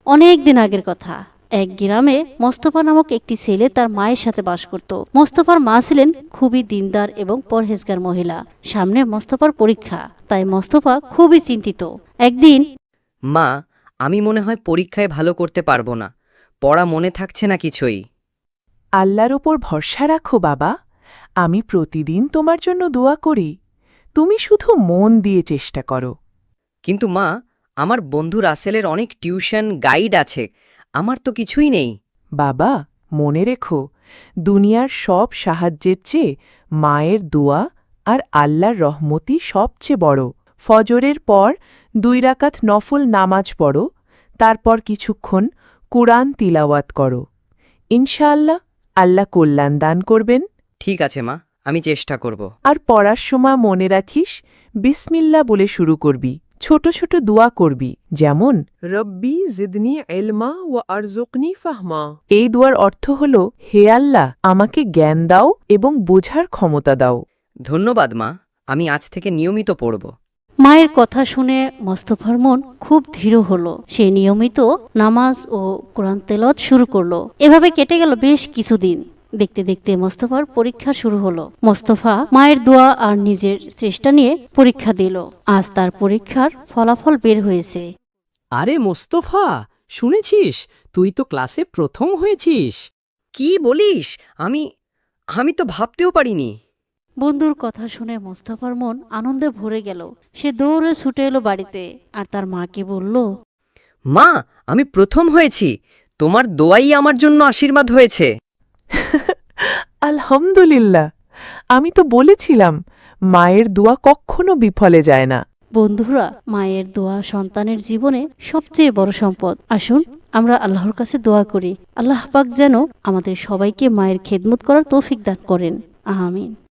অনেক দিন আগের কথা। এক গ্রামে মোস্তফা নামক একটি ছেলে তার মায়ের সাথে বাস করত। মোস্তফার মা ছিলেন খুবই দিনদার এবং পরহেজগার মহিলা। সামনে মোস্তফার পরীক্ষা, তাই মোস্তফা খুবই চিন্তিত। একদিন, মা, আমি মনে হয় পরীক্ষায় ভালো করতে পারবো না। পড়া মনে থাকছে না কিছুই। আল্লাহর ওপর ভরসা রাখো বাবা, আমি প্রতিদিন তোমার জন্য দোয়া করি। তুমি শুধু মন দিয়ে চেষ্টা করো। কিন্তু মা, আমার বন্ধু রাসেলের অনেক টিউশন গাইড আছে, আমার তো কিছুই নেই। বাবা, মনে রেখো, দুনিয়ার সব সাহায্যের চেয়ে মায়ের দোয়া আর আল্লাহর রহমতি সবচেয়ে বড়। ফজরের পর 2 রাকাত নফল নামাজ পড়ো, তারপর কিছুক্ষণ কুরআন তিলাওয়াত করো। ইনশাআল্লাহ আল্লাহ কল্যাণ দান করবেন। ঠিক আছে মা, আমি চেষ্টা করব। আর পড়ার সময় মনে রাখিস বিসমিল্লাহ বলে শুরু করবি। ছোট ছোট দোয়া করবি, যেমন রব্বি জিদনি ইলমা ওয়া আরজুকনি ফাহমা। এই দোয়ার অর্থ হল, হে আল্লাহ, আমাকে জ্ঞান দাও এবং বোঝার ক্ষমতা দাও। ধন্যবাদ মা, আমি আজ থেকে নিয়মিত পড়ব। মায়ের কথা শুনে মোস্তফার মন খুব ধীর হলো। সে নিয়মিত নামাজ ও কোরআন তেলাওয়াত শুরু করলো। এভাবে কেটে গেল বেশ কিছুদিন। দেখতে দেখতে মোস্তফার পরীক্ষা শুরু হলো। মোস্তফা মায়ের দোয়া আর নিজের চেষ্টা নিয়ে পরীক্ষা দিল। আজ তার পরীক্ষার ফলাফল বের হয়েছে। আরে মোস্তফা, শুনেছিস তুই তো ক্লাসে প্রথম হয়েছিস? কি বলিস? আমি তো ভাবতেও পারিনি। বন্ধুর কথা শুনে মোস্তফার মন আনন্দে ভরে গেল। সে দৌড়ে ছুটে এলো বাড়িতে আর তার মাকে বলল, মা, আমি প্রথম হয়েছি। তোমার দোয়াই আমার জন্য আশীর্বাদ হয়েছে। আলহামদুলিল্লাহ, আমি তো বলেছিলাম মায়ের দোয়া কখনো বিফলে যায় না। বন্ধুরা, মায়ের দোয়া সন্তানের জীবনে সবচেয়ে বড় সম্পদ। আসুন আমরা আল্লাহর কাছে দোয়া করি, আল্লাহ পাক যেন আমাদের সবাইকে মায়ের খেদমত করার তৌফিক দান করেন। আমিন।